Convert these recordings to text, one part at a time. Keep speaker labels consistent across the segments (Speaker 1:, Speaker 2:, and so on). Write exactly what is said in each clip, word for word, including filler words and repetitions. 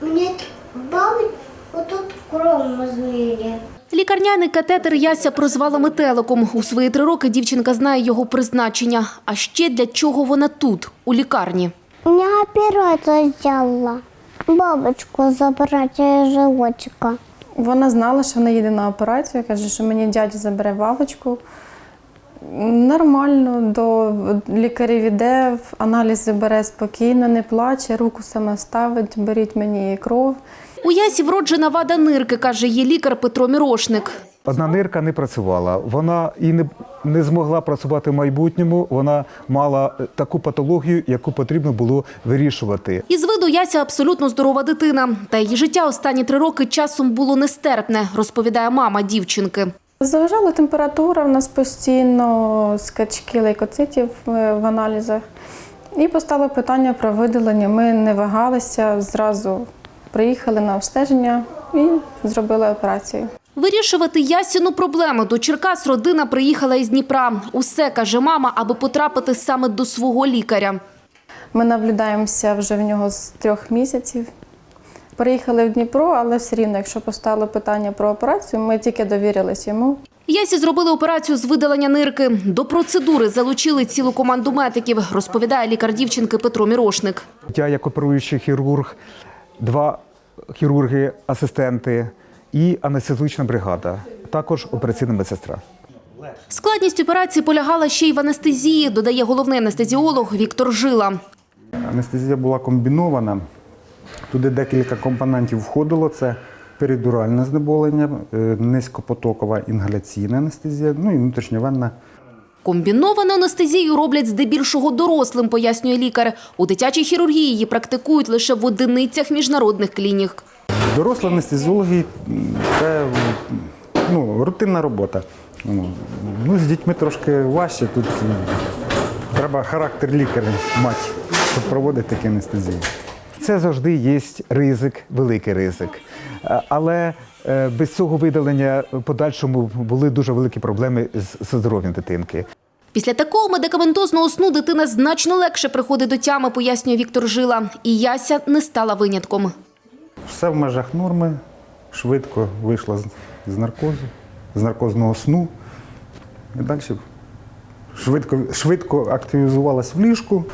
Speaker 1: Мені бабить отут кров зміє.
Speaker 2: Лікарняний катетер Яся прозвала метеликом. У свої три роки дівчинка знає його призначення. А ще для чого вона тут, у лікарні.
Speaker 1: Мені операцію зробила. Бабочку забрати з животика.
Speaker 3: Вона знала, що вона їде на операцію. Каже, що мені дядя забере вавочку. Нормально, до лікарів іде, аналізи бере спокійно, не плаче, руку сама ставить, беріть мені кров.
Speaker 2: У Ясі вроджена вада нирки, каже її лікар Петро Мірошник.
Speaker 4: Одна нирка не працювала, вона і не, не змогла працювати в майбутньому, вона мала таку патологію, яку потрібно було вирішувати.
Speaker 2: Із виду Яся абсолютно здорова дитина. Та її життя останні три роки часом було нестерпне, розповідає мама дівчинки.
Speaker 3: Заважала температура в нас постійно, скачки лейкоцитів в аналізах. І постало питання про видалення. Ми не вагалися, зразу приїхали на обстеження і зробили операцію.
Speaker 2: Вирішувати Ясіну проблему до Черкас родина приїхала із Дніпра. Усе, каже мама, аби потрапити саме до свого лікаря.
Speaker 3: Ми наблюдаємося вже в нього з трьох місяців. Приїхали в Дніпро, але все рівно, якщо постало питання про операцію, ми тільки довірились йому.
Speaker 2: Ясі зробили операцію з видалення нирки. До процедури залучили цілу команду медиків, розповідає лікар дівчинки Петро Мірошник.
Speaker 4: Я як оперуючий хірург, два хірурги-асистенти і анестезіологічна бригада, також операційна медсестра.
Speaker 2: Складність операції полягала ще й в анестезії, додає головний анестезіолог Віктор Жила.
Speaker 5: Анестезія була комбінована. Туди декілька компонентів входило. Це перидуральне знеболення, низькопотокова інгаляційна анестезія, ну і внутрішньовенна.
Speaker 2: Комбіновану анестезію роблять здебільшого дорослим, пояснює лікар. У дитячій хірургії її практикують лише в одиницях міжнародних клінік.
Speaker 5: Дорослі анестезіологи – це ну, рутинна робота. Ну, з дітьми трошки важче, тут треба характер лікаря мати, щоб проводити такі анестезії.
Speaker 4: Це завжди є ризик, великий ризик. Але без цього видалення в подальшому були дуже великі проблеми з здоров'ям дитинки.
Speaker 2: Після такого медикаментозного сну дитина значно легше приходить до тями, пояснює Віктор Жила. І Яся не стала винятком.
Speaker 5: Все в межах норми, швидко вийшла з наркозу, з наркозного сну. І далі швидко, швидко активізувалась в ліжку.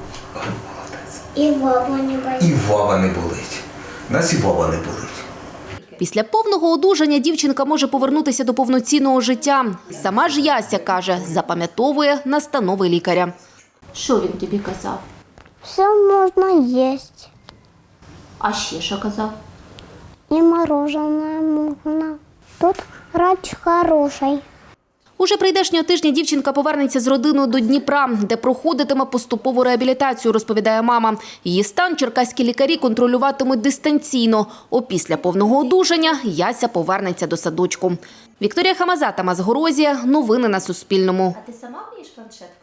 Speaker 1: І вава не болить.
Speaker 6: І вава не болить. Нас і вава не болить.
Speaker 2: Після повного одужання дівчинка може повернутися до повноцінного життя. Сама ж Яся, каже, запам'ятовує настанови лікаря. Що він тобі казав?
Speaker 1: Все можна їсти.
Speaker 2: А ще що казав?
Speaker 1: І мороженое можна. Тут врач хороший.
Speaker 2: Уже прийдешнього тижня дівчинка повернеться з родиною до Дніпра, де проходитиме поступову реабілітацію, розповідає мама. Її стан черкаські лікарі контролюватимуть дистанційно. Опісля повного одужання Яся повернеться до садочку. Вікторія Хамаза, Тамас Горозія. Новини на Суспільному.
Speaker 7: А ти сама вмієш планшет?